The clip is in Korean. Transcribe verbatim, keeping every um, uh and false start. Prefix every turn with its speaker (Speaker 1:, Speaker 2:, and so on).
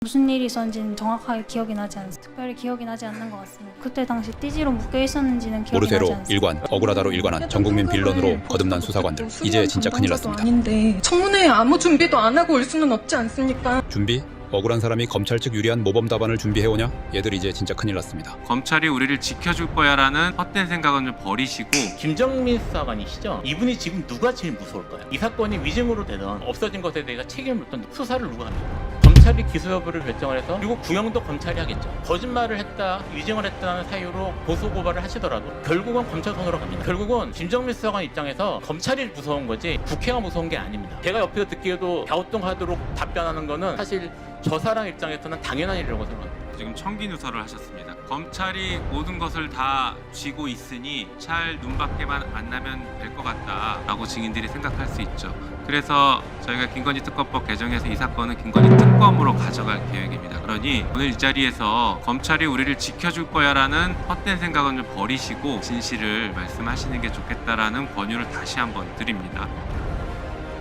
Speaker 1: 무슨 일이 있었는지는 정확하게 기억이 나지 않습니다. 특별히 기억이 나지 않는 것 같습니다. 그때 당시 띠지로 묶여 있었는지는 기억이 나지
Speaker 2: 오르세로
Speaker 1: 않습니다.
Speaker 2: 일관, 억울하다로 일관한 전국민 빌런으로 거듭난 수사관들. 이제 진짜 큰일 났습니다.
Speaker 3: 아닌데 청문회에 아무 준비도 안 하고 올 수는 없지 않습니까?
Speaker 2: 준비? 억울한 사람이 검찰 측 유리한 모범 답안을 준비해오냐? 얘들 이제 진짜 큰일 났습니다.
Speaker 4: 검찰이 우리를 지켜줄 거야라는 헛된 생각은 좀 버리시고
Speaker 5: 김정민 수사관이시죠? 이분이 지금 누가 제일 무서울까요? 이 사건이 위증으로 되든 없어진 것에 대해 책임을 묻던 수사를 누가 합니까? 검찰이 기소 여부를 결정을 해서 그리고 구형도 검찰이 하겠죠. 거짓말을 했다, 위증을 했다는 사유로 고소 고발을 하시더라도 결국은 검찰 손으로 갑니다. 결국은 김정민 수사관 입장에서 검찰이 무서운 거지 국회가 무서운 게 아닙니다. 제가 옆에서 듣기에도 갸우뚱하도록 답변하는 거는 사실 저 사람 입장에서는 당연한 일이라고 생각합니다.
Speaker 4: 지금 청기 누설을 하셨습니다. 검찰이 모든 것을 다 쥐고 있으니 잘 눈밖에만 안 나면 될 것 같다라고 증인들이 생각할 수 있죠. 그래서 저희가 김건희 특검법 개정해서 이 사건은 김건희 특검으로 가져갈 계획입니다. 그러니 오늘 이 자리에서 검찰이 우리를 지켜줄 거야라는 헛된 생각은 좀 버리시고 진실을 말씀하시는 게 좋겠다라는 권유를 다시 한번 드립니다.